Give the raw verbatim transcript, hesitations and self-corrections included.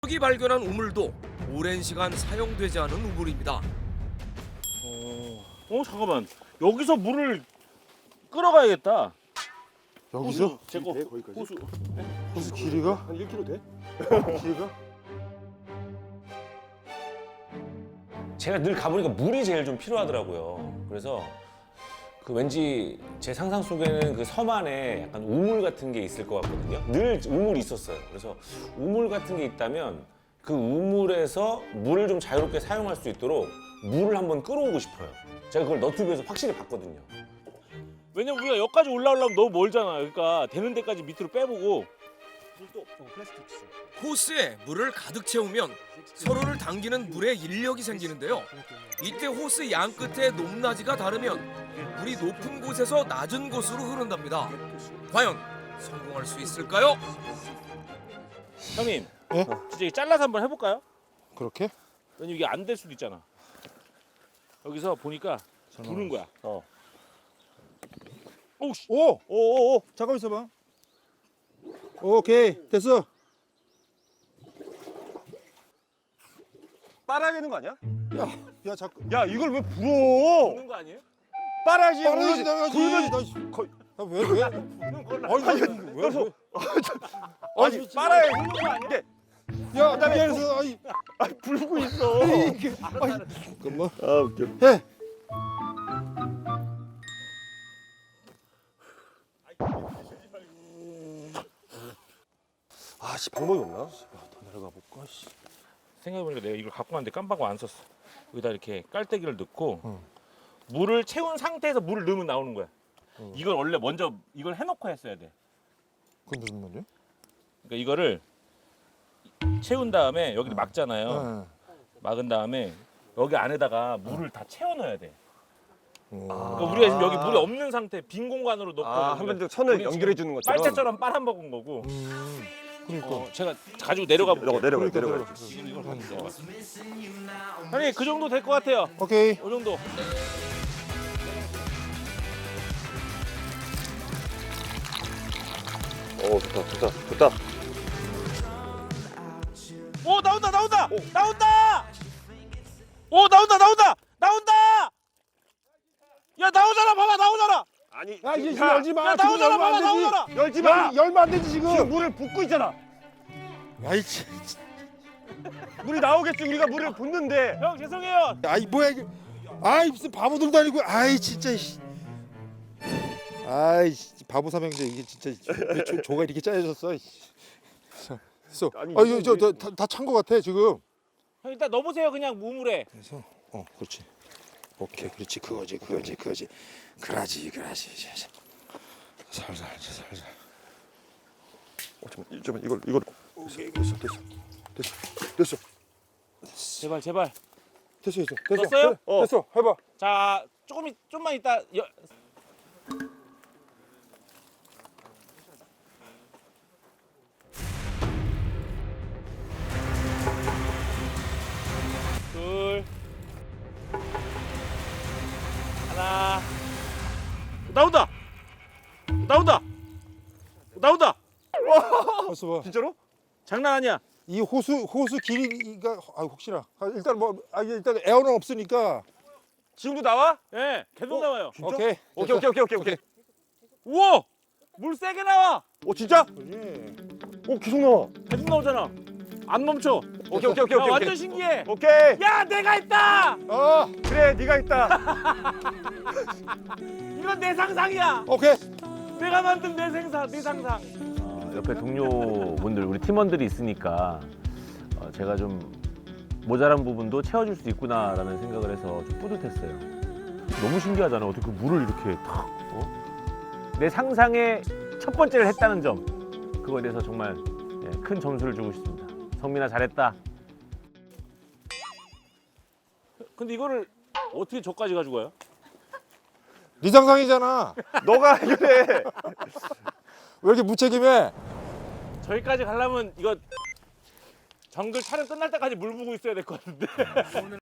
여기 발견한 우물도 오랜 시간 사용되지 않은 우물입니다. 어, 어 잠깐만. 여기서 물을 끌어가야겠다. 여기서? 제거 돼, 거기까지? 호수. 호수 길이가? 한 일 킬로미터 돼? 길이가? 제가 늘 가보니까 물이 제일 좀 필요하더라고요. 그래서 그 왠지 제 상상 속에는 그 섬 안에 약간 우물 같은 게 있을 것 같거든요. 늘 우물이 있었어요. 그래서 우물 같은 게 있다면 그 우물에서 물을 좀 자유롭게 사용할 수 있도록 물을 한번 끌어오고 싶어요. 제가 그걸 너튜브에서 확실히 봤거든요. 왜냐면 우리가 여기까지 올라오려면 너무 멀잖아. 그러니까 되는 데까지 밑으로 빼보고. 호스에 물을 가득 채우면 서로를 당기는 물에 인력이 생기는데요. 이때 호스 양 끝에 높낮이가 다르면 물이 높은 곳에서 낮은 곳으로 흐른답니다. 과연 성공할 수 있을까요? 형님, 예? 진짜 이거 잘라서 한번 해볼까요? 그렇게? 왜냐면 이게 안 될 수도 있잖아. 여기서 보니까 부는 거야. 어. 오우씨. 오! 오오오! 잠깐 있어봐. 오케이 됐어. 빨아야 되는 거 아니야? 야, 야 자꾸. 야 이걸 왜 불어? 부는 거 아니에요? 빨아야지. 빨아야지 나가지. 불면 나 거의. 왜 왜? 부는 걸로. 아니 왜? 왜? 왜? 아니 빨아야 되는 거 아니야? 야, 나 미안해서. 아이, 아 불고 있어. 이게. 아이, 잠깐만. 아 웃겨. 해. 아씨 방법이 없나? 더 내려가 볼까? 씨. 생각해보니까 내가 이걸 갖고 왔는데 깜빡 안 썼어. 여기다 이렇게 깔때기를 넣고 응. 물을 채운 상태에서 물을 넣으면 나오는 거야. 응. 이걸 원래 먼저 이걸 해놓고 했어야 돼. 그건 무슨 말이야? 그러니까 이거를 채운 다음에 여기 막잖아요. 네. 막은 다음에 여기 안에다가 물을 다 채워 넣어야 돼. 어. 그러니까 우리가 지금 여기 물이 없는 상태, 빈 공간으로 넣고 아 한 번 더 선을 우리 연결해 주는 것처럼. 빨대처럼 빨아먹은 거고. 음. 그러니까. 어, 제가 가지고 내려가 볼게요. 내려가 그러니까 내려가. 내려가. 지금 이걸 가지고 내려가. 형님 그 정도 될 것 같아요. 오케이. 이 정도. 오 좋다 좋다 좋다. 오 나온다 나온다 나온다. 오 나온다 나온다 나온다. 야 나오잖아 봐봐 나오잖아. 아니 야, 이제 야, 열지 마. 야 지금 나오잖아 열면 안 봐봐 되지. 나오잖아. 열지 마. 열면 안 되지 지금. 지금 물을 붓고 있잖아. 아이 참. 물이 나오겠지 우리가 물을 붓는데. 형 죄송해요. 아이 뭐야 이게. 아이 무슨 바보들도 아니고. 아이 진짜. 씨. 아이 바보 삼형제 이게 진짜 왜 조, 조가 이렇게 짜여졌어. 그래서 아니, 아 이거 이거 왜- 저다찬 거 같아 지금. 형 일단 넣어보세요 그냥 우물에. 그래서 어 그렇지. 오케이 그렇지 그거지 그거지 그거지. 그라지 그라지. 살살 살살. 어, 잠깐 잠깐 이걸 이걸. 오케이 됐어 됐어 됐어 됐어 제발 제발. 됐어 됐어 됐어. 됐어요? 그래, 됐어 해봐. 자 조금 있- 좀만 이따 여... 둘 하나 나온다 나온다 나온다 됐어 봐. 진짜로? 장난 아니야. 이 호수 호수 길이가 아 혹시나 아, 일단 뭐 아, 일단 에어는 없으니까 지금도 나와? 예 계속 어? 나와요. 진짜? 오케이 오케이 오케이 오케이 오케이 오케이. 우와 물 세게 나와. 오 진짜? 오케이. 오 계속 나와. 계속 나오잖아. 안 멈춰. 오케이 오케이 오케이 야, 오케이. 완전 신기해. 오케이. 야 내가 있다. 어 그래 네가 있다. 이건 내 상상이야. 오케이 내가 만든 내 생상, 내 상상. 어, 옆에 동료분들, 우리 팀원들이 있으니까 어, 제가 좀 모자란 부분도 채워줄 수 있구나라는 생각을 해서 좀 뿌듯했어요. 너무 신기하잖아. 어떻게 그 물을 이렇게 탁, 어? 내 상상의 첫 번째를 했다는 점, 그거에 대해서 정말 예, 큰 점수를 주고 싶습니다. 성민아 잘했다. 근데 이거를 어떻게 저까지 가지고 가요? 네 상상이잖아. 너가 그래. 왜 이렇게 무책임해? 저기까지 가려면 이거 정글 촬영 끝날 때까지 물 부고 있어야 될 것 같은데.